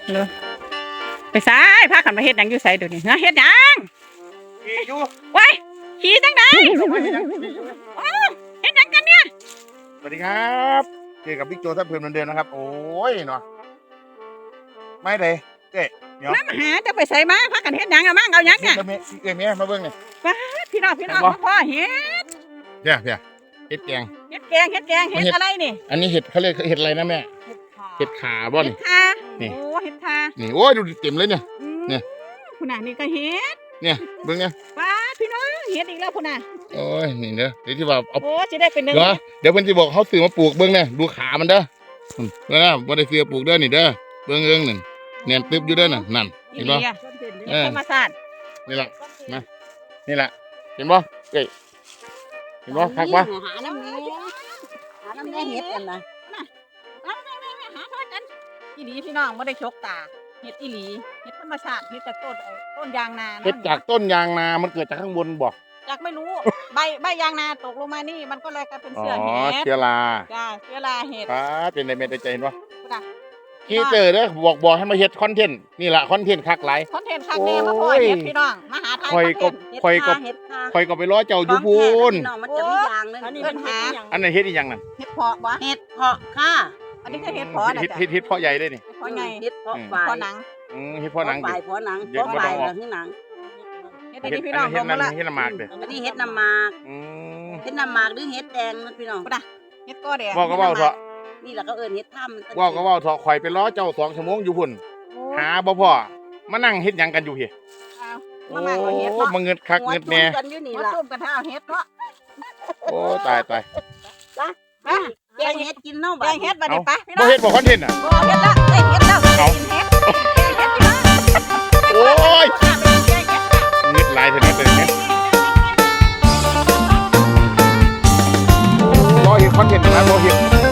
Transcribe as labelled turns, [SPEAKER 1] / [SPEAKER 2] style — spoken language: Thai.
[SPEAKER 1] เลยไปซ้ายพาขันมาเฮ็ดหยังอยู่ไสเดี๋ยวนี้นะเฮ็ดหยัง
[SPEAKER 2] อยู่
[SPEAKER 1] ไว้ขี่จังไดโอ้เฮ็ดหยังกันเนี่ย
[SPEAKER 2] สวัสดีครับเจอกับบิ๊กโจท่าเพื่อนเหมือนเดิมนะครับโอ้ยเนาะไม่เลยเจ๊เดี๋ยว
[SPEAKER 1] มาหาจะไปใส่มาพากันเฮ็ดหยังอะมั่งเอาหยังเนี่ย
[SPEAKER 2] เอ้ยเมียมาเบิ่งนี่
[SPEAKER 1] พี่น้องพ่อเฮ็ด
[SPEAKER 2] เดี๋ยวเห็ดแกง
[SPEAKER 1] เฮ็ดแกงเฮ็ดอะไรนี่
[SPEAKER 2] อันนี้เห็ดเขาเรียกเห็ดอะไรนะแม่เห็ดขาบ่
[SPEAKER 1] เฮ็
[SPEAKER 2] นี่
[SPEAKER 1] ดคา
[SPEAKER 2] นี่
[SPEAKER 1] โอ้เฮ็ดคา
[SPEAKER 2] นี่โอ้ยดูเต็มเลยเนี่ย เนี่ย
[SPEAKER 1] คุณน่ะนี่ก็เฮ็ด
[SPEAKER 2] เนี่ยเบิ่งเนี่ย
[SPEAKER 1] ป้าพี่น้องเฮ็ดอีกแล้วคุณน่ะ
[SPEAKER 2] โอ้ยนี่เด้อเดี๋ยวที่ว่าเอา
[SPEAKER 1] โอ้สิได้เป็นหนึ่ง
[SPEAKER 2] เดี๋ยวเพิ่นสิบอกเขาซื้อมาปลูกเบิ่งเนี่ยดูขามันเด้อบ่ได้ซื้อปลูกเด้อนี่เด้อเบิ่งนั่นเนียนตึบอยู่เด้อนั่นเห็นบ่
[SPEAKER 1] ธรรมศาสตร์
[SPEAKER 2] นี่แหละมานี่แหละเห็นบ่เอ้ยเห็นบ่คักบ่
[SPEAKER 3] หาน้ำแน่เห็ดกันนะ
[SPEAKER 1] หาทอดกันอีหลีพี่น้องบ่ได้ชกตาเฮ็ดอีหลีเฮ็ดธรรมชาติเฮ็ดจากต้นยางนา
[SPEAKER 2] เฮ็ดจากต้นยางนามันเกิดจากข้างบนบ่
[SPEAKER 1] จากไม่รู้ใบยางนาตกลงมานี่มันก็เลยกลายเป็น
[SPEAKER 2] อ๋อ
[SPEAKER 1] เสื้อเห็ด
[SPEAKER 2] เชื้อรา
[SPEAKER 1] จ้าเชื้อราเห็ด
[SPEAKER 2] ป้าเป็นได้เม็ดได้ใจเห็นบ่
[SPEAKER 1] จ้ะ
[SPEAKER 2] ขี้เจอเด้อบอกให้มาเฮ็ดคอนเทนต์นี่ล่ะคอนเทนต์คักหลาย
[SPEAKER 1] คอนเทนต์คักแน่มาพ่อเฮ็ดพี่น้องมาหาทาย
[SPEAKER 2] คอยก็
[SPEAKER 3] เห็ดค่ะ
[SPEAKER 2] คอยก็ไปรอเจ้าอยู่พูน
[SPEAKER 3] น้องมันจะมียางเลย
[SPEAKER 1] อันนี้เป็นหา
[SPEAKER 2] อันนั้นเฮ็ดอีหยังนั่น
[SPEAKER 1] เห็ดเพาะบ่
[SPEAKER 3] เห็ดเพาะค่ะ
[SPEAKER 1] อันนี้คือเห็ดเพาะนะจ้ะ
[SPEAKER 2] เฮ็ดเพาะใหญ่เลยนี่
[SPEAKER 1] เพาะใหญ่
[SPEAKER 3] เห็ดเพาะ
[SPEAKER 1] เพ
[SPEAKER 3] ฝ่าย
[SPEAKER 1] าะหนัง
[SPEAKER 2] เฮ็ดเพาะหนัง
[SPEAKER 3] ฝ่ายเพาะหนัง
[SPEAKER 2] เดี๋ยว
[SPEAKER 3] เพาะฝ่ายแล้วที่หนัง
[SPEAKER 1] เฮ็ด
[SPEAKER 2] เฮ็
[SPEAKER 1] ดี
[SPEAKER 2] ด
[SPEAKER 1] พี่น้อง
[SPEAKER 2] เฮ็
[SPEAKER 1] ล
[SPEAKER 2] ด
[SPEAKER 1] ง
[SPEAKER 2] นั่
[SPEAKER 1] มาน ละ
[SPEAKER 2] เฮ็ดน้ำหมากเด้อ
[SPEAKER 3] อันนี้เห็ดน้ำหมาก
[SPEAKER 2] อืม
[SPEAKER 3] เห็ดน้ำหมากหรือเห็ดแดงนะพี่น้อง
[SPEAKER 1] เฮ็ดก็แดง
[SPEAKER 2] เว้าก็เว้าเถอะ
[SPEAKER 3] นี่แหละก็เอิ้นเห็ดถ้ำ
[SPEAKER 2] เว้าก็เว้าเถอะข่อยไปรอเจ้า2 ชั่วโมงอยู่พุ่นหาบ่พอมานั่งเฮ็ดหยังกันอยู่พี่
[SPEAKER 1] มามาเอาเฮ็ด
[SPEAKER 2] โอ้
[SPEAKER 1] เนาะ
[SPEAKER 2] มาเงิดคักเงิดแน่
[SPEAKER 3] กันอยู่นี่
[SPEAKER 1] มา
[SPEAKER 3] ล่ะ
[SPEAKER 1] ซุ่มกันถ้าเอาเฮ็ดเนาะ
[SPEAKER 2] โอ้ตาย
[SPEAKER 1] มา
[SPEAKER 3] แกงเห็ดกินเนาะ
[SPEAKER 1] แกงเฮ็ดบัดนี้ไปพี่น้
[SPEAKER 2] บ่
[SPEAKER 1] อง
[SPEAKER 2] เฮ็ดบ่คอนเทนต์อ่ะ
[SPEAKER 1] บ่เฮ็ดละได้เฮ็ดแล้วได้กินเฮ็ดแกงเฮ็ดพี่น้อง
[SPEAKER 2] โอ้ย
[SPEAKER 1] แกงเฮ็ดค่ะ
[SPEAKER 2] เงิดหลายเท่านั้นเลยเนี่ยรอเฮ็ดคอนเทนต์นะบ่เฮ็ด